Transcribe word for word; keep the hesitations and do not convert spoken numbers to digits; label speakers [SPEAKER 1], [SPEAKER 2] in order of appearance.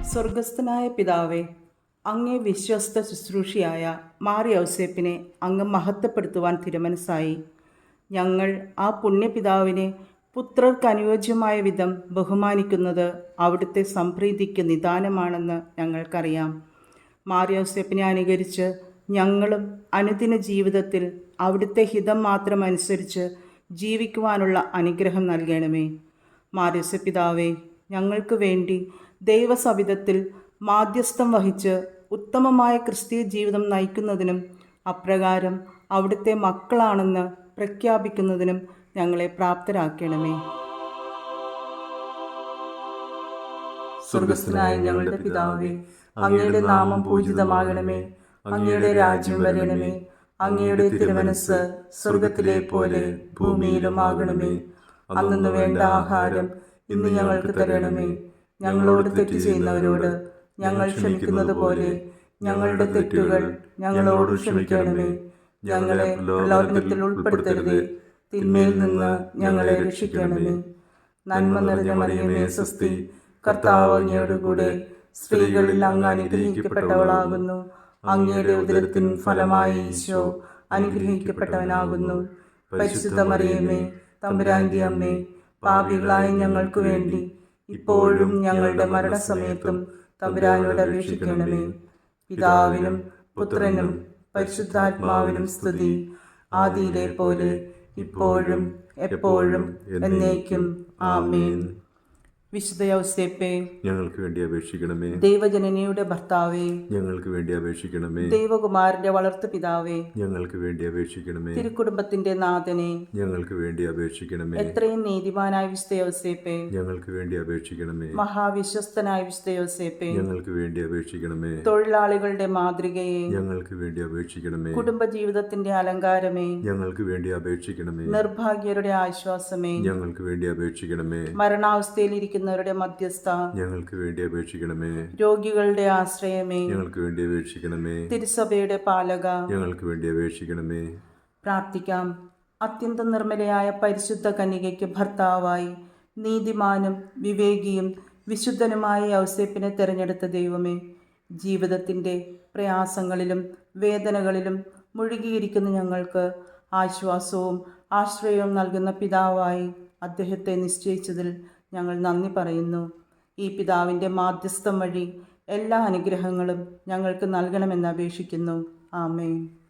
[SPEAKER 1] സ്വർഗസ്ഥനായ പിതാവേ, അങ്ങേ വിശ്വസ്ത ശുശ്രൂഷയായ മാർ യൗസേപ്പിനെ അങ്ങ് മഹത്വപ്പെടുത്തുവാൻ തിരുമനസ്സായി. ഞങ്ങൾ ആ പുണ്യപിതാവിനെ പുത്രർക്ക് അനുയോജ്യമായ വിധം ബഹുമാനിക്കുന്നത് അവിടുത്തെ സംപ്രീതിക്ക് നിദാനമാണെന്ന് ഞങ്ങൾക്കറിയാം. മാർ യൗസേപ്പിനെ അനുകരിച്ച് ഞങ്ങളും അനുദിന ജീവിതത്തിൽ അവിടുത്തെ ഹിതം മാത്രം അനുസരിച്ച് ജീവിക്കുവാനുള്ള അനുഗ്രഹം നൽകണമേ. മാർ യൗസേപ്പ് പിതാവേ, ഞങ്ങൾക്ക് വേണ്ടി ദൈവസവിധത്തിൽ മാധ്യസ്ഥം വഹിച്ച് ഉത്തമമായ ക്രിസ്തീയ ജീവിതം നയിക്കുന്നതിനും അപ്രകാരം അവിടുത്തെ മക്കളാണെന്ന് പ്രഖ്യാപിക്കുന്നതിനും ഞങ്ങളെ പ്രാപ്തരാക്കണമേ.
[SPEAKER 2] സ്വർഗസ്ഥനായ ഞങ്ങളുടെ പിതാവേ, അങ്ങയുടെ നാമം പൂജിതമാകണമേ. അങ്ങയുടെ രാജ്യം വരണമേ. അങ്ങയുടെ തിരുമനസ്സ് സ്വർഗത്തിലെ പോലെ ഭൂമിയിലും ആകണമേ. അന്നു വേണ്ട ആഹാരം ഇന്ന് ഞങ്ങൾക്ക് തരണമേ. ഞങ്ങളോട് തെറ്റ് ചെയ്യുന്നവരോട് ഞങ്ങൾ ക്ഷമിക്കുന്നത് പോലെ ഞങ്ങളുടെ തെറ്റുകൾ ഞങ്ങളോട് ക്ഷമിക്കണമേ. ഞങ്ങളെ പ്രലോഭനത്തിൽ ഉൾപ്പെടുത്തരുതേ, തിന്മയിൽ നിന്ന് ഞങ്ങളെ രക്ഷിക്കണമേ. നന്മ നിറഞ്ഞ മറിയമേ സ്വസ്തി, കർത്താവ് അങ്ങയോടുകൂടെ സ്ത്രീകളിൽ അങ്ങ് അനുഗ്രഹിക്കപ്പെട്ടവളാകുന്നു. അങ്ങയുടെ ഉദരത്തിൻ ഫലമായി ഈശോ അനുഗ്രഹിക്കപ്പെട്ടവനാകുന്നു. പരിശുദ്ധ മറിയമേ, തമ്പുരാന്റെ അമ്മേ, പാപികളായ ഞങ്ങൾക്ക് വേണ്ടി ഇപ്പോഴും ഞങ്ങളുടെ മരണസമയത്തും തമ്പുരാനോട് അപേക്ഷിക്കണമേ. പിതാവിനും പുത്രനും പരിശുദ്ധാത്മാവിനും സ്തുതി, ആദിയിലെ പോലെ ഇപ്പോഴും എപ്പോഴും എന്നേക്കും ആമേൻ.
[SPEAKER 1] വിശുദ്ധ യൗസേപ്പേ,
[SPEAKER 2] ഞങ്ങൾക്ക് വേണ്ടി അപേക്ഷിക്കണമേ.
[SPEAKER 1] ദൈവജനനിയുടെ ഭർത്താവേ,
[SPEAKER 2] ഞങ്ങൾക്ക് വേണ്ടി അപേക്ഷിക്കണമേ.
[SPEAKER 1] ദൈവകുമാരന്റെ വളർത്തു പിതാവേ,
[SPEAKER 2] ഞങ്ങൾക്ക് വേണ്ടി അപേക്ഷിക്കണമേ.
[SPEAKER 1] തിരുക്കുടുംബത്തിന്റെ നാഥനെ,
[SPEAKER 2] ഞങ്ങൾക്ക് വേണ്ടി അപേക്ഷിക്കണമേ.
[SPEAKER 1] എത്രയും നീതിമാനായ വിശുദ്ധ യൗസേപ്പേ,
[SPEAKER 2] ഞങ്ങൾക്ക് വേണ്ടി അപേക്ഷിക്കണമേ.
[SPEAKER 1] മഹാവിശ്വസ്തനായ വിശുദ്ധ യൗസേപ്പേ,
[SPEAKER 2] ഞങ്ങൾക്ക് വേണ്ടി അപേക്ഷിക്കണമേ.
[SPEAKER 1] തൊഴിലാളികളുടെ മാതൃകയെ,
[SPEAKER 2] ഞങ്ങൾക്ക് വേണ്ടി അപേക്ഷിക്കണമേ.
[SPEAKER 1] കുടുംബജീവിതത്തിന്റെ അലങ്കാരമേ,
[SPEAKER 2] ഞങ്ങൾക്ക് വേണ്ടി അപേക്ഷിക്കണമേ.
[SPEAKER 1] നിർഭാഗ്യരുടെ ആശ്വാസമേ,
[SPEAKER 2] ഞങ്ങൾക്ക് വേണ്ടി അപേക്ഷിക്കണമേ.
[SPEAKER 1] മരണാവസ്ഥയിലിരിക്കുന്നവരുടെ മധ്യസ്ഥ,
[SPEAKER 2] ഞങ്ങൾക്ക് വേണ്ടി അപേക്ഷിക്കണമേ.
[SPEAKER 1] രോഗികളുടെ ആശ്രയമേ,
[SPEAKER 2] ഞങ്ങൾക്ക് വേണ്ടി അപേക്ഷിക്കണമേ.
[SPEAKER 1] തിരുസഭയുടെ പാലക,
[SPEAKER 2] ഞങ്ങൾക്ക് വേണ്ടി അപേക്ഷിക്കണമേ.
[SPEAKER 1] പ്രാർത്ഥിക്കാം. അത്യന്തം നിർമ്മലയായ പരിശുദ്ധ കന്യകയ്ക്ക് ഭർത്താവായി നീതിമാനും വിവേകിയും വിശുദ്ധനുമായ യൗസേപ്പിനെ തിരഞ്ഞെടുത്ത ദൈവമേ, ജീവിതത്തിൻ്റെ പ്രയാസങ്ങളിലും വേദനകളിലും മുഴുകിയിരിക്കുന്ന ഞങ്ങൾക്ക് ആശ്വാസവും ആശ്രയവും നൽകുന്ന പിതാവായി അദ്ദേഹത്തെ നിശ്ചയിച്ചതിൽ ഞങ്ങൾ നന്ദി പറയുന്നു. ഈ പിതാവിൻ്റെ മാധ്യസ്ഥം വഴി എല്ലാ അനുഗ്രഹങ്ങളും ഞങ്ങൾക്ക് നൽകണമെന്ന് അപേക്ഷിക്കുന്നു. ആമേൻ.